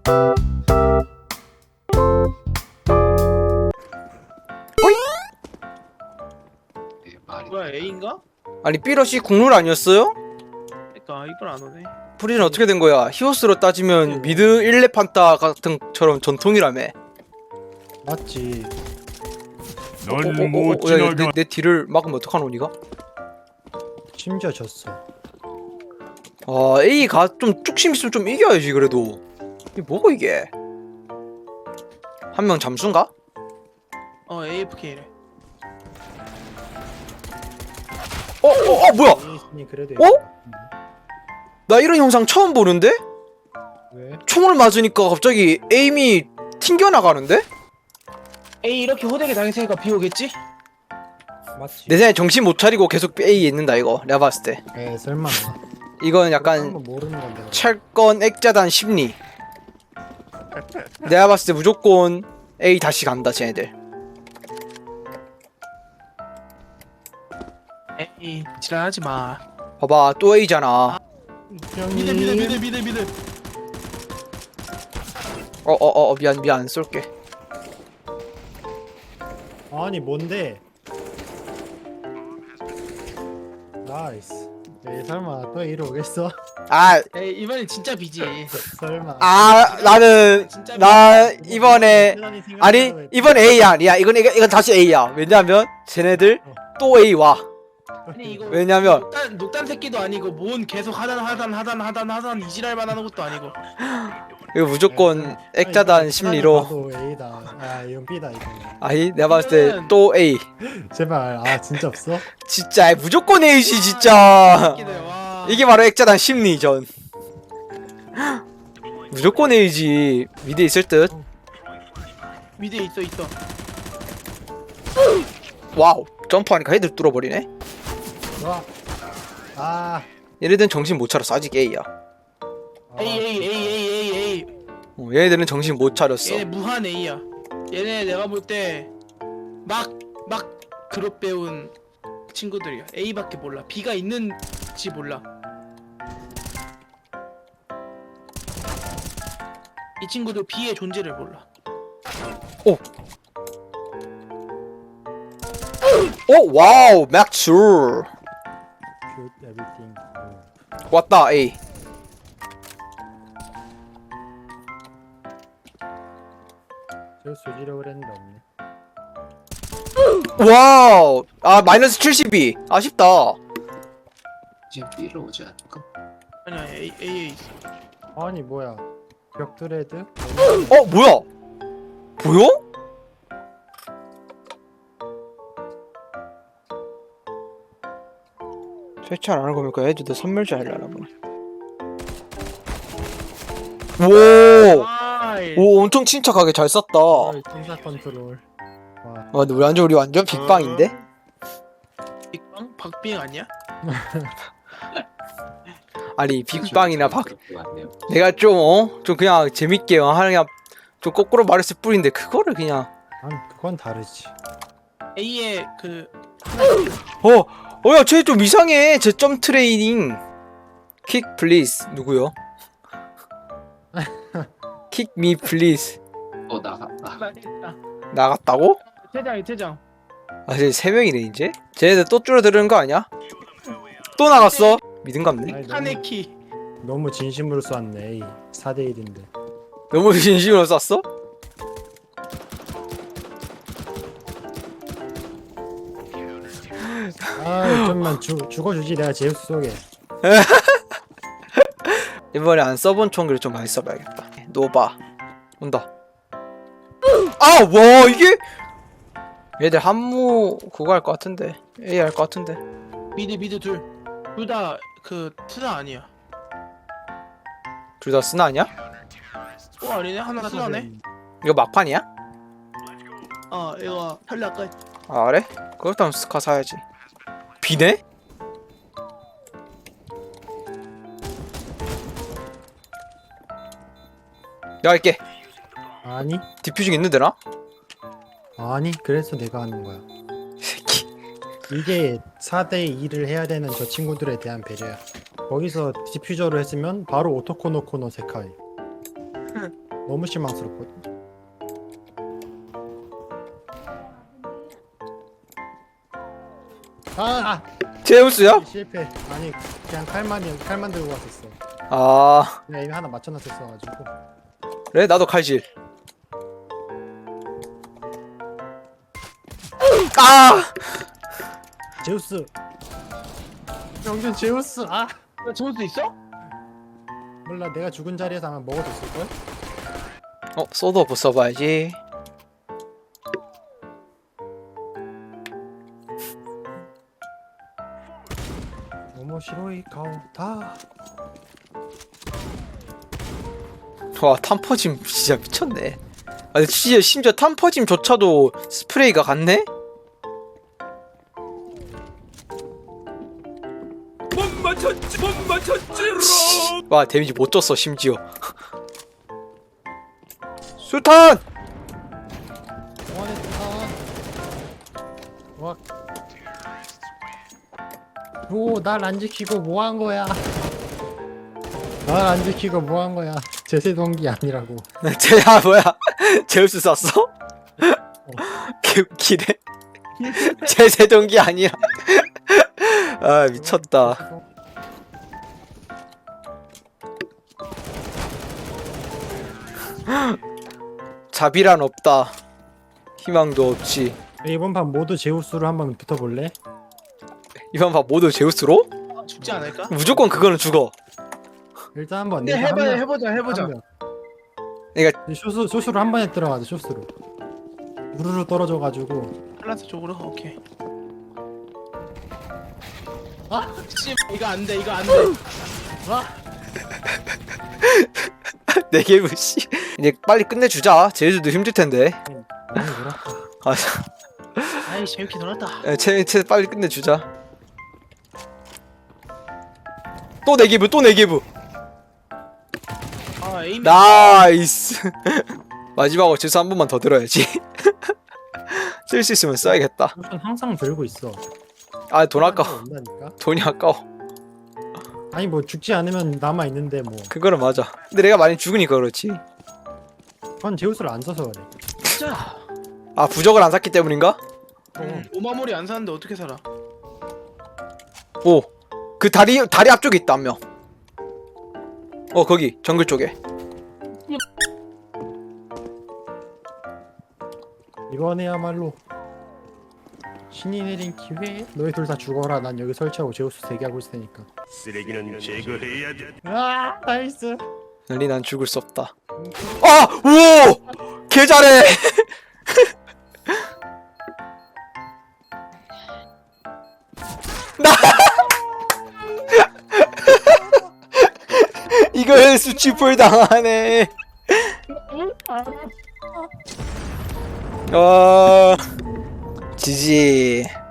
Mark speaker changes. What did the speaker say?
Speaker 1: 뭐야 A인가?
Speaker 2: 아니 삐러시 국룰 아니었어요?
Speaker 1: 그니까 이걸 안 오네.
Speaker 2: 프리는 어떻게 된 거야? 히오스로 따지면 미드 1렙 판타 같은 처럼 전통이라며.
Speaker 3: 맞지.
Speaker 4: 넌못
Speaker 2: 야,
Speaker 4: 지나가.
Speaker 2: 내 뒤를 막으면 어떡하노 니가?
Speaker 3: 심지어 졌어.
Speaker 2: 아 A가 좀 쭉심 있으면 좀 이겨야지 그래도. 이게 뭐고 이게? 한 명 잠수인가?
Speaker 1: AFK래.
Speaker 2: 뭐야?
Speaker 3: 에이스니 그래도
Speaker 2: 어? 나 이런 영상 처음 보는데?
Speaker 3: 왜?
Speaker 2: 총을 맞으니까 갑자기 에임이 튕겨나가는데?
Speaker 1: A 이렇게 호되게 당했으니까 B 오겠지?
Speaker 3: 맞지.
Speaker 2: 내 생각에 정신 못 차리고 계속 A에 있는다 이거 내가 봤을 때.
Speaker 3: 에 설마.
Speaker 2: 이건 약간
Speaker 3: 한번 모르는 건데.
Speaker 2: 철권 액자단 심리. 내가 봤을 때 무조건 A 다시 간다 쟤네들.
Speaker 1: A 지랄하지 마.
Speaker 2: 봐봐 또 A잖아.
Speaker 1: 미드.
Speaker 2: 미안 안 쏠게.
Speaker 3: 아니 뭔데? 나이스. 에 설마 또 이리 오겠어?
Speaker 1: 에이 이번엔 진짜 B지.
Speaker 3: 설마.
Speaker 2: 나는
Speaker 1: 진짜
Speaker 2: 나 이번에 아니 이번 A야 아니야 이건 다시 A야. 왜냐면 쟤네들 또 A 와.
Speaker 1: 아니 이거
Speaker 2: 왜냐면
Speaker 1: 녹단 새끼도 아니고 뭔 계속 하단 이지랄만 하는 것도 아니고.
Speaker 2: 이거 무조건 액자단 심리로.
Speaker 3: 나도 A다. 아 이건 B다 이거.
Speaker 2: 아니 내가 봤을 때 또 A.
Speaker 3: 제발. 아 진짜 없어?
Speaker 2: 진짜 무조건 A지 진짜.
Speaker 1: 새끼들 와.
Speaker 2: 이게 바로 액자단 심리전. 무조건 A지. 미드 있을 듯.
Speaker 1: 미드에 있어.
Speaker 2: 와우 점프하니까 헤드를 뚫어버리네.
Speaker 3: 와. 아.
Speaker 2: 얘네들은 정신 못 차렸어. 아직 A야.
Speaker 1: A.
Speaker 2: 얘네들은 정신 못 차렸어.
Speaker 1: 얘네 무한 A야. 얘네 내가 볼 때 막 그룹 배운 친구들이야. A밖에 몰라. B가 있는지 몰라. 이 친구들 B의 존재를 몰라.
Speaker 2: 와우 맥줄
Speaker 3: Shoot everything.
Speaker 2: 왔다 A.
Speaker 3: 저 수지력을 했는데 없네.
Speaker 2: 와우 마이너스 72 아쉽다.
Speaker 5: 이제 B로 오지 않을까?
Speaker 1: 아니야 A에 있어.
Speaker 3: 아니 뭐야? 벽드레드?
Speaker 2: 뭐야 보여? 설치 안 하는 거 보니까 애들도 선멸자 하려나 보네.
Speaker 1: 아이.
Speaker 2: 오 엄청 침착하게 잘 쐈다.
Speaker 3: 팀사 컨트롤. 와.
Speaker 2: 근데 우리 완전 빅방인데?
Speaker 1: 빅방? 박빙 아니야?
Speaker 2: 아니 빅방이나 박
Speaker 5: 그렇게 왔네요.
Speaker 2: 내가 좀 그냥 재밌게 그냥 좀 거꾸로 말했을 뿐인데 그거를 그냥
Speaker 3: 아니 그건 다르지.
Speaker 1: A에 그
Speaker 2: 야 쟤 좀 이상해. 쟤 점 트레이닝 킥 플리즈 누구요? 킥 미 플리즈
Speaker 5: 나갔다.
Speaker 1: 말했다.
Speaker 2: 나갔다고?
Speaker 1: 퇴장.
Speaker 2: 쟤 3명이네 이제? 쟤네들 또 줄어드는 거 아니야? 또 나갔어? 믿음갑네.
Speaker 3: 아니,
Speaker 1: 카네키.
Speaker 3: 너무 진심으로 쐈네. 4대 1인데.
Speaker 2: 너무 진심으로 쐈어?
Speaker 3: 아 좀만 죽어주지 내가 제우스 쏘게.
Speaker 2: 이번에 안 써본 총기를 좀 많이 써봐야겠다. 노바 온다. 와 이게 얘들 한무 그거 할 것 같은데 A 할 것 같은데.
Speaker 1: 미드 둘 다 그 투자 아니야.
Speaker 2: 둘 다 쓰나 아니야?
Speaker 1: 아니네. 하나 쓰나네.
Speaker 2: 이거 막판이야?
Speaker 1: 이거 탈락 끝.
Speaker 2: 그래? 그렇다면 스카 사야지. 비네? 야 할게.
Speaker 3: 아니
Speaker 2: 디퓨징 있는데 나?
Speaker 3: 아니 그래서 내가 하는 거야.
Speaker 2: 새끼.
Speaker 3: 이게 4대 2를 해야 되는 저 친구들에 대한 배려야. 거기서 디퓨저로 했으면 바로 오토코노코노 세카이. 너무 실망스럽거든. 아!
Speaker 2: 제우스야?
Speaker 3: 실패. 아니 그냥 칼만 들고 왔었어.
Speaker 2: 아
Speaker 3: 내가 이미 하나 맞춰놨었어가지고.
Speaker 2: 그래 나도 칼질. 아
Speaker 3: 제우스. 영준 제우스. 아
Speaker 1: 나 저럴 수 있어?
Speaker 3: 몰라 내가 죽은 자리에서 아마 먹어줬을 걸.
Speaker 2: 소드 오프 써봐야지.
Speaker 3: 오모시로이 가오다.
Speaker 2: 와 탐퍼짐 진짜 미쳤네. 아니 진짜 심지어 탐퍼짐조차도 스프레이가 같네? 못 맞췄지롱. 와 데미지 못 줬어 심지어. 수탄!
Speaker 3: 원했던. 와. 날 안 지키고 뭐 한 거야? 날 안 지키고 뭐 한 거야? 제세 동기 아니라고.
Speaker 2: 쟤야 뭐야 제우스 쐈어? 개웃기네. 제세동기 아니야. 아 미쳤다. 자비란 없다. 희망도 없지.
Speaker 3: 이번 판 모두 제우스로 한번 붙어볼래?
Speaker 2: 이번 봐 모두 제우스로?
Speaker 1: 아, 죽지 않을까?
Speaker 2: 무조건 그거는 죽어.
Speaker 3: 일단 한번.
Speaker 1: 근데 해보자.
Speaker 3: 쇼스로 한 번에 들어가자. 쇼스로. 우르르 떨어져가지고.
Speaker 1: 플란스 쪽으로 오케이.
Speaker 3: 아!
Speaker 1: 씨 이거 안 돼.
Speaker 3: 아!
Speaker 2: 내 게임 씨. 이제 빨리 끝내주자. 제주도 힘들 텐데.
Speaker 3: 많이 놀았다.
Speaker 2: 아,
Speaker 1: 아이 재밌게 놀았다.
Speaker 2: 쟤 빨리 끝내주자. 또 내 기부, 또 내 기부.
Speaker 1: 아 에임.
Speaker 2: 나이스. 마지막으로 재수 한 번만 더 들어야지. 쓸 수 있으면 써야겠다.
Speaker 3: 쇼스는 항상 들고 있어.
Speaker 2: 아 돈 아까워.
Speaker 3: 온다니까?
Speaker 2: 돈이 아까워.
Speaker 3: 아니 뭐 죽지 않으면 남아 있는데 뭐.
Speaker 2: 그거는 맞아. 근데 내가 많이 죽으니까 그렇지.
Speaker 3: 그건 제우스를 안 써서 그래.
Speaker 1: 진짜.
Speaker 2: 아 부적을 안 샀기 때문인가?
Speaker 1: 오마모리 안 사는데 어떻게 살아?
Speaker 2: 오. 그 다리 앞쪽에 있다 한 명. 거기 정글 쪽에.
Speaker 3: 이번에야말로 신이 내린 기회. 너희 둘 다 죽어라. 난 여기 설치하고 제우스 대기하고 있을 테니까.
Speaker 4: 쓰레기는 제거해야 돼.
Speaker 3: 아 나이스.
Speaker 2: 널리 난 죽을 수 없다. 아! 오! 개 잘해! 나! 이걸 수치풀 당하네. 지지.